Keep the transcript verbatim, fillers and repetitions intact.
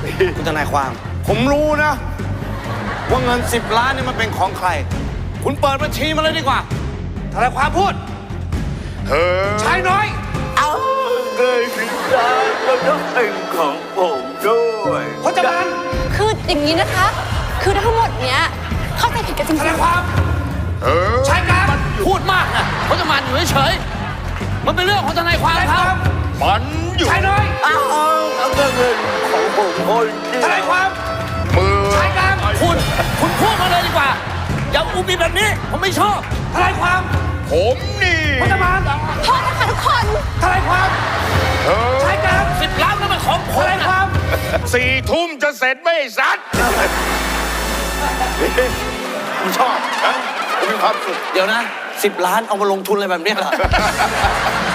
คุณทนายความ ผมรู้นะ ว่าเงินสิบล้านนี่มันเป็นของใคร คุณเปิดบัญชีมาเลยดีกว่าทนายความพูดเธอชายน้อยเอาเงินสิบล้านมันต้องเป็นของผมด้วยพจมานคืออย่างนี้นะคะ คือทั้งหมดเนี้ยเข้าใจผิดกันจริงทนายความเออชายกลางพูดมากนะพจมานอยู่เฉยๆมันเป็นเรื่องของทนายความทนายคครับ วามมันอยู่ชายน้อยเอาเอาเงินของผมคนเดียวทนายความมือชายกลางคุณ คุณพูดมาเลยดีกว่า อย่าอุบิแบบนี้ ผมไม่ชอบทนายความผมนี่พจมานๆโทษนะคะทุกคนทนายความเธอชายกลางสิบล้านนั่นมันของผทมนายคนะวามสี่ทุ่มจะเสร็จไหม่สัตว์กูชอบนะกูมีความสุขเดี๋ยวนะสิบล้านเอามาลงทุนอะไรแบบนี้เหรอ